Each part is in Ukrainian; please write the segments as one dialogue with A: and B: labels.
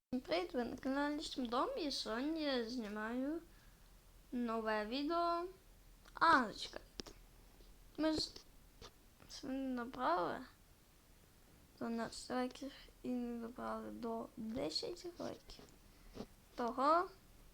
A: Привіт, ви на каналі Шмдом, і сьогодні я знімаю нове відео. Чекайте. Ми ж сьогодні набрали 12 лайків і не добрали до 10 лайків. Того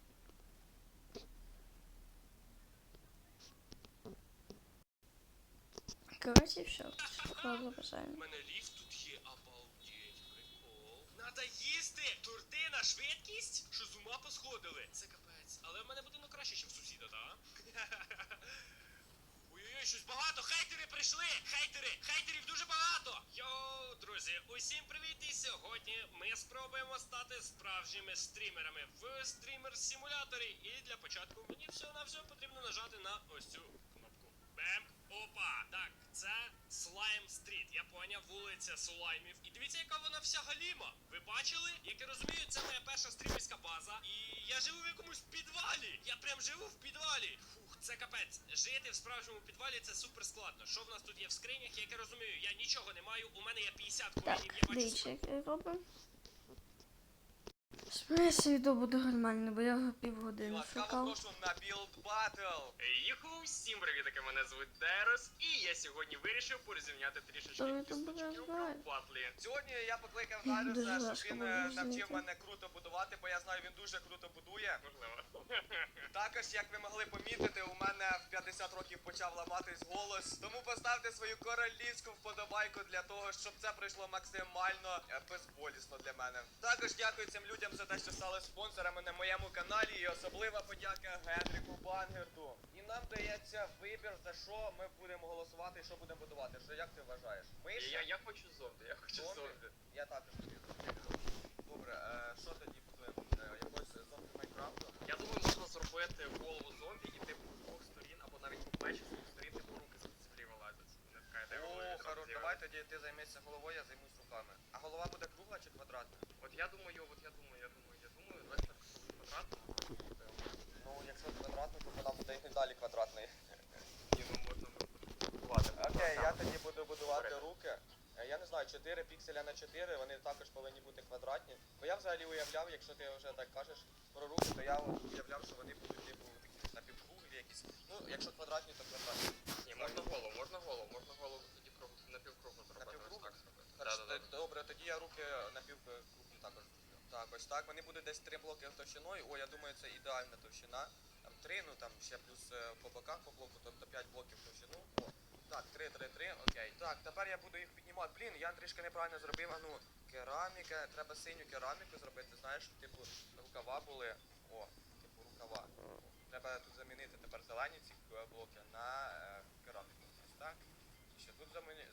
A: коротше, все. Хто бажаю.
B: У мене ліфт тут є, обалдеть, прикол. Надо їсти! Торти на швидкість? Що з ума посходили? Це капець. Але в мене будинок краще, ніж в сусіда, так? Ой-ой-ой, щось багато! Хейтери прийшли! Хейтерів дуже багато! Йоу, друзі, усім привіт! І сьогодні ми спробуємо стати справжніми стрімерами в стрімер-симуляторі. І для початку мені всього-навсього потрібно нажати на ось цю кнопку. Бем! Опа! Так, це Слайм Стріт. Я поняв, вулиця Слаймів. І дивіться, яка вона вся галіма. Ви бачили? Як я розумію, це моя перша стрімерська база. І я живу в якомусь підвалі. Я прям живу в підвалі. Фух, це капець. Жити в справжньому підвалі це супер складно. Що в нас тут є в скринях? Як я розумію, я нічого не маю. У мене є 50 коїнів. Я бачу
A: дивіться, як я роблю. Сподіваюся, відео буде нормально, бо я його півгодини шукав.
B: прошу на білд батл. Юху, всім привітки, мене звуть Дерос, і я сьогодні вирішив порозімняти трішечки кісточки у батлі.
C: Сьогодні я покликав
A: Дуже
C: Дарюса,
A: важко
C: щоб він
A: було
C: навчив
A: зрозуміти.
C: мене круто будувати, бо я знаю, він дуже круто будує.
B: Можливо.
C: Також, як ви могли помітити, у мене в 50 років почав ламатись голос. Тому поставте свою королівську вподобайку для того, щоб це пройшло максимально безболісно для мене. Також дякую цим людям за те, що стали спонсорами на моєму каналі, і особлива подяка Генріку Бангерду. І нам дається вибір, за що ми будемо голосувати і що будемо будувати. Що, як ти вважаєш? Миша?
B: Я хочу зомбі, я хочу зомбі.
C: Я також тобі. Добре, що тоді будемо? Якось зомбі Майнкрафту?
B: Я думаю, можна зробити голову зомбі і типу з двох сторін, або навіть по плечі з двох сторін, типу руки з землі вилазять. Не така ідея.
C: О, хорош, давай тоді ти займешся головою, я займусь руками. А голова буде кругла чи квадратна?
B: От я думаю, давай так квадратно.
C: Ну, якщо квадратний, то вона буде і далі квадратний.
B: Ні, ну можна будувати.
C: Окей, я тоді буду будувати руки. Я не знаю, 4 пікселя на 4, вони також повинні бути квадратні. Бо я взагалі уявляв, якщо ти вже так кажеш про руки, то я уявляв, що вони будуть типу такі напівкруглі якісь. Ну, якщо квадратні, то квадратні.
B: Ні, можна голову тоді напівкругло зробити.
C: Напівкругло?
B: Ось так зробити.
C: Добре, тоді я руки напівкруглі також зроблю. Так, ось так. Вони будуть десь 3 блоки товщиною. О, я думаю, це ідеальна товщина. Там 3, ну там ще плюс по боках по блоку, тобто 5 блоків товщину. О, так, 3, окей. Так, тепер я буду їх піднімати. Блін, я трішки неправильно зробив. А ну, кераміка, треба синю кераміку зробити, знаєш, типу рукава були. О, типу рукава. Треба тут замінити тепер зелені ці блоки на кераміку. Ось так. І ще тут замінюємо.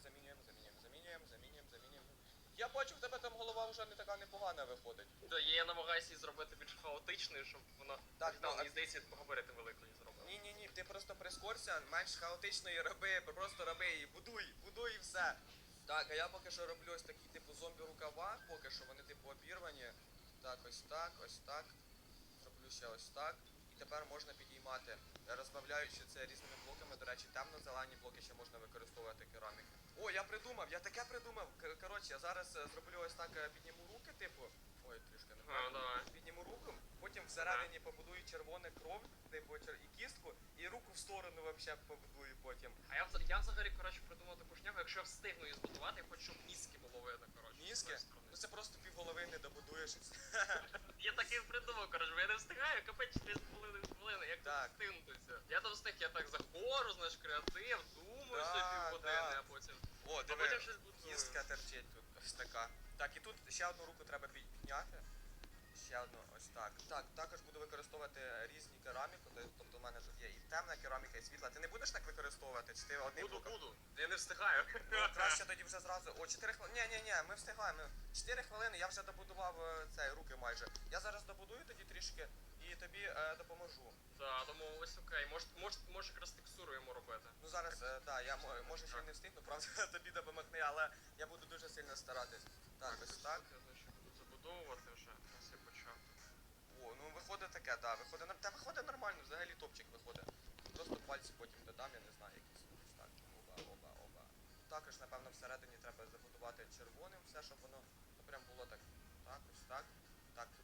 C: Я бачу, в тебе там голова вже не така непогана виходить.
B: То я намагаюся її зробити більш хаотичною, щоб вона
C: Так, ну,
B: мені здається, габарити великої зробила.
C: Ні, ти просто прискорся, менш хаотичної роби, просто роби її, будуй і все. Так, а я поки що роблю ось такі типу зомбі рукава, поки що вони типу обірвані. Так, ось так. Зроблю ще ось так. І тепер можна підіймати, розбавляючи це різними блоками. До речі, темно-зелені блоки ще можна використовувати кераміку. О, я таке придумав. Коротше, я зараз зроблю ось так, підніму руки, типу. Ой, трішки не
B: давай.
C: Підніму руку, потім всередині побудую червоне кров, типу і кістку, і руку в сторону вообще побудую потім.
B: А я взагалі, коротше, придумав таку шнягу, якщо я встигну її збудувати, я хочу, щоб мізки було видно, коротше.
C: Мізки? Ну це просто півголови не добудуєш.
B: Я так і придумав, коротше, бо я не встигаю, капець 4,5 хвилини, як
C: Так.
B: тут встигнутися. Я там встиг, я так заходжу, знаєш, креатив, думаю,
C: Да,
B: собі півгодини,
C: да.
B: а потім...
C: О,
B: А
C: диви,
B: потім щось будую.
C: кістка терчить тут, ось така. Так, і тут ще одну руку треба підняти. Ще одну, ось так. Так, також буду використовувати різні кераміку, тобто в мене тут є і темна кераміка, і світла. Ти не будеш так використовувати? Чи ти одним блоком?
B: Буду. Я не встигаю.
C: Ну, краще тоді вже зразу. О, 4 хвилини. Ні, ми встигаємо. 4 хвилини, я вже добудував цей руки майже. Я зараз добудую тоді трішки і тобі допоможу.
B: Так, домовились, окей. Може якраз текстуру йому робити.
C: Ну зараз, я може ще й не встигну, правда, тобі допомогти, але я буду дуже сильно старатись. Так, ось так.
B: Я, значить, буду забудовувати вже, ось я почав.
C: О, ну виходить таке, да, виходить нормально, взагалі топчик виходить. Просто пальці потім додам, я не знаю, якісь. Ось так. Оба. Також, напевно, всередині треба забудувати червоним все, щоб воно прям було так. Так, ось так. Так,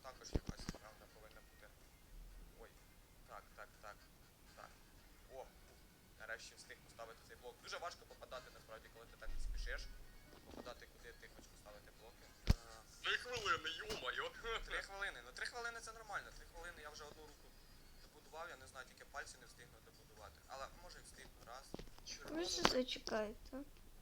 C: також якась правда повинна бути. Ой. Так. О, нарешті встиг поставити цей блок. Дуже важко попадати насправді, коли ти так спішиш. Попадати куди ти хочеш поставити блоки.
B: 3 хвилини, йо-моє.
C: 3 хвилини. Ну 3 хвилини це нормально. 3 хвилини я вже одну руку добудував, я не знаю, тільки пальці не встигну добудувати. Але може і встигну раз.
A: Ви ще зачекайте.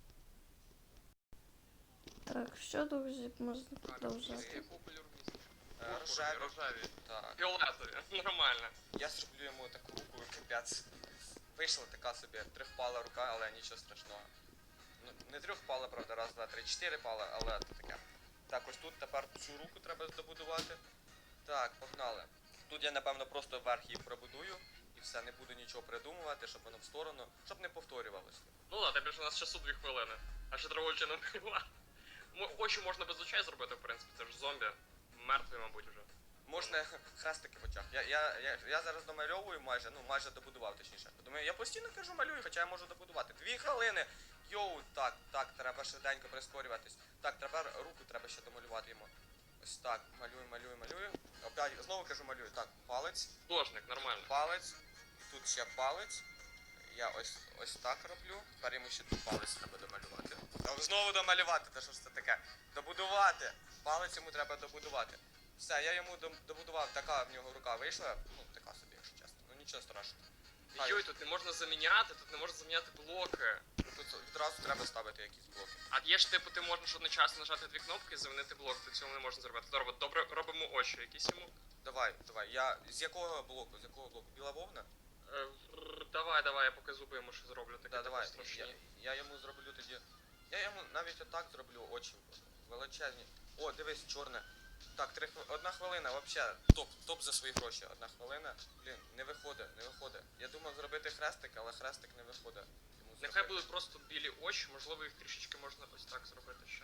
A: Так, що, друзі, можна продовжати.
B: Якого кольору місце?
C: Рожеві.
B: Рожеві.
C: Так.
B: Фіолетові, нормально.
C: Я зроблю йому таку руку, капець. Вийшла така собі трьохпала рука, але нічого страшного. Ну, не трьохпала, правда, раз, два, три, 4 пала, але то таке. Так, ось тут тепер цю руку треба добудувати. Так, погнали. Тут я, напевно, просто вверх її пробудую. І все, не буду нічого придумувати, щоб воно в сторону, щоб не повторювалося.
B: Ну ладно, тепер ж у нас часу 2 хвилини. А ще треба очі не вбила. Очі можна без очей зробити, в принципі, це ж зомбі. Мертвий, мабуть, уже.
C: Можна хрестики в очах. Я зараз домальовую майже добудував, точніше. Думаю, я постійно кажу малюю, хоча я можу добудувати. 2 хвилини! Йоу, так, треба швиденько прискорюватись. Так, тепер руку треба ще домалювати йому. Ось так, малюю. Опять, знову кажу малюю. Так, палець,
B: Художник, нормально.
C: палець, тут ще палець. Я ось так роблю. Тепер йому ще тут палець треба домалювати. Знову домалювати, та що ж це таке? Добудувати! Палець йому треба добудувати. Все, я йому добудував, така в нього рука вийшла. Ну, така собі, якщо чесно. Ну нічого страшного.
B: Йой, тут не можна заміняти, тут не можна заміняти блоки.
C: Тут відразу треба ставити якісь блоки.
B: А є ж типу, ти можеш одночасно нажати 2 кнопки і замінити блок, ти цього не можна зробити. Добре, робимо очі якісь йому.
C: Давай. Я з якого блоку? Біла вовна?
B: Давай, я поки зуби йому ще зроблю таке.
C: Да, давай.
B: Страшні.
C: Я йому зроблю тоді. Я йому навіть отак зроблю очі величезні. О, дивись, чорне. Так, 1 хвилина, вообще, топ за свої гроші. 1 хвилина. Блін, не виходить. Я думав зробити хрестик, але хрестик не виходить.
B: Нехай будуть просто білі очі, можливо їх трішечки можна ось так зробити ще.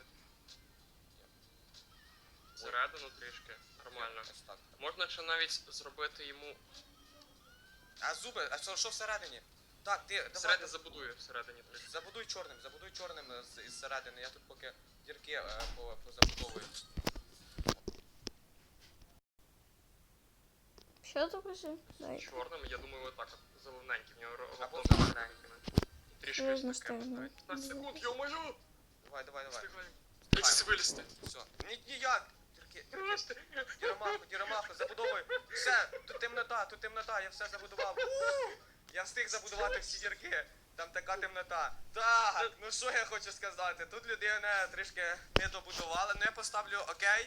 B: Всередину трішки, нормально.
C: Ось так.
B: Можна ще навіть зробити йому...
C: А зуби, а що всередині? Так, ти
B: Всередині
C: давай.
B: забудую, всередині трішки.
C: Забудуй чорним із середини. Я тут поки дірки позабудовую.
A: Що, друзі? Дайте.
B: Чорним, я думаю, отак от, зелененький, в нього
C: Або
B: робота
C: зелененький.
B: трішки
A: Серйозно
B: ось таке.
A: стягну.
B: 15 секунд, йо-моє!
C: Давай.
B: Дайте вилізти.
C: Все. Ніяк! Дірки. Діромаху, забудовуй. Все, тут темнота, я все забудував. Я встиг забудувати всі дірки. Там така темнота. Так, ну що я хочу сказати? Тут людина трішки не добудувала, ну я поставлю окей.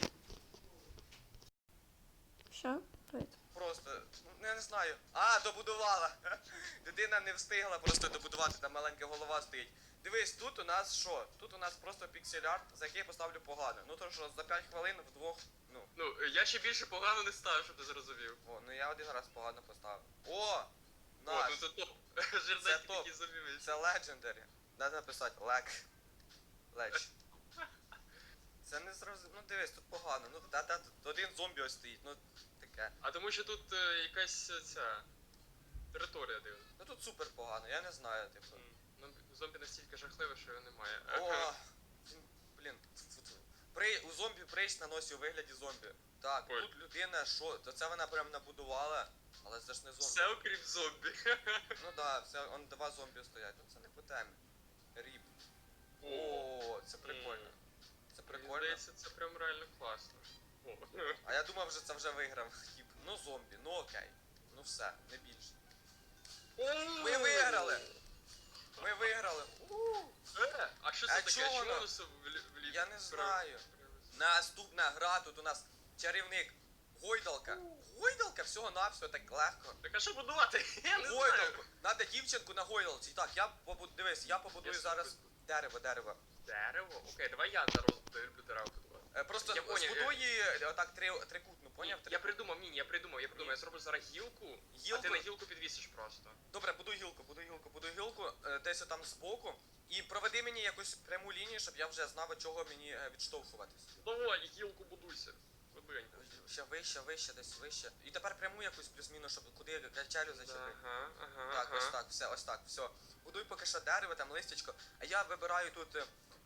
A: Що? Давайте.
C: Просто, ну я не знаю. Добудувала. Людина не встигла просто добудувати, там маленька голова стоїть. Дивись, тут у нас що? Тут у нас просто піксель-арт, за який я поставлю погано. Ну то що, за 5 хвилин вдвох,
B: Ну, я ще більше погано не ставив, щоб ти зрозумів.
C: ну я один раз погано поставив. О!
B: О,
C: Наш!
B: ну це топ.
C: Це
B: Жирненький
C: топ.
B: такий зумівець.
C: Це legendary. Треба написати ледж. Це не зрозуміло. Ну дивись, тут погано. Ну тут один зомбі ось стоїть, ну таке.
B: А тому що тут якась ця територія дивна.
C: Ну тут супер погано, я не знаю, типу.
B: Ну, зомбі настільки жахливе, що його немає.
C: О! Блін. У зомбі прейс на носі у вигляді зомбі. Так,
B: Ой.
C: тут людина, що? То це вона прям набудувала, але це ж не зомбі.
B: Все окрім зомбі.
C: Ну да, все, 2 зомбі стоять. Ну це не по темі. Ріп. О, це прикольно. Це
B: Мені
C: прикольно.
B: здається, це прям реально класно. О.
C: А я думав, що це вже виграв. Тип, ну зомбі, ну окей. Ну все, не більше. Ми виграли! Ми виграли!
B: А що це
C: А
B: таке?
C: чого
B: Чому
C: воно?
B: воно все вліво?
C: Я не знаю. Наступна гра, тут у нас чарівник. Гойдалка. Гойдалка всього-навсього так легко.
B: Так а що будувати? Я не знаю.
C: Гойдалку. Надо дівчинку на гойдалці. Так, дивись, я побудую
B: Я
C: зараз
B: супер.
C: дерево.
B: Дерево? Окей, давай я зараз люблю дерево будувати.
C: Просто
B: Я поняв,
C: збудуй її отак трикутну, поняв?
B: Я придумав, я придумав. Я зроблю зараз гілку, а
C: Гілку?
B: ти на гілку підвісиш просто.
C: Добре, будуй гілку, десь отам збоку. І проведи мені якусь пряму лінію, щоб я вже знав, від чого мені відштовхуватись.
B: Давай, гілку будуйся. Будуенько.
C: Ще вище, десь вище. І тепер пряму якусь плюс-мінус, щоб куди качелю зачепити.
B: Ага.
C: Так, ось так, все. Будуй поки що дерево, там листячко. А я вибираю тут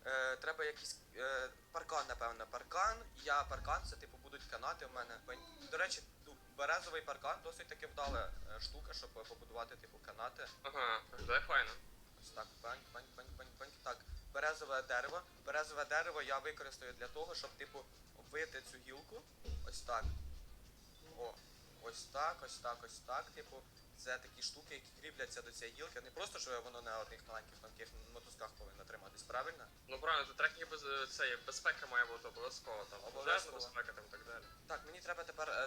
C: Треба якийсь паркан, напевно. Паркан, паркан, це типу будуть канати в мене. До речі, березовий паркан досить таки вдала штука, щоб побудувати типу канати.
B: Ага, виглядає файно.
C: Ось так, бань. Так, березове дерево. Березове дерево я використаю для того, щоб, типу, обвити цю гілку. Ось так. О, ось так, типу. Це такі штуки, які кріпляться до цієї гілки. Не просто, що воно на одних маленьких тонких мотузках повинно триматись, правильно?
B: Ну правильно, тут трекінг це є безпека має бути обов'язково там. Пожежна безпека там і так далі.
C: Так, мені треба тепер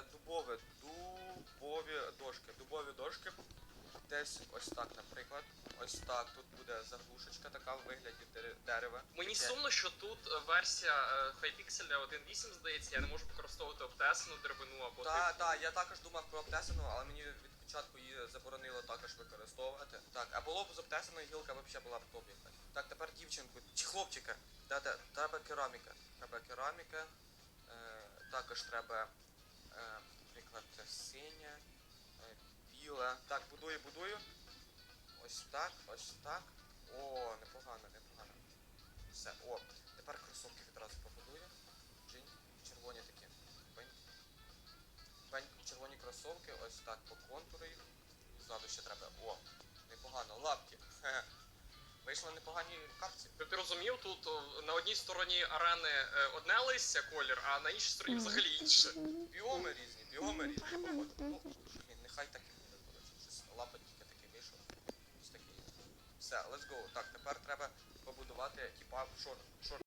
C: дубові дошки. Десь ось так, наприклад. Ось так, тут буде заглушечка така в вигляді дерева.
B: Мені
C: Таке.
B: сумно, що тут версія Hypixel 1.8, здається, я не можу використовувати обтесану деревину або
C: Так, я також думав про обтесану, але мені від початку її заборонило також використовувати. Так, а було б з обтесаною гілка взагалі була б топ якась. Так, тепер дівчинку, чи хлопчика. Треба кераміка. Також треба, наприклад, синя, біла. Так, будую. Ось так. О, непогано. Все, тепер кросовки відразу побудую. Джинь, червоні такі. Бень, червоні кросовки, ось так по контуру їх. Ззаду ще треба. О, непогано, лапки. Вийшли непогані капці.
B: Ти розумів, тут на одній стороні арени одне листя колір, а на іншій стороні взагалі інше.
C: Біоми різні. Ну, блін, нехай так і буде, коротше. Щось лапа тільки такий вийшов. Ось такий. Все, let's go. Так, тепер треба побудувати, типа, шорт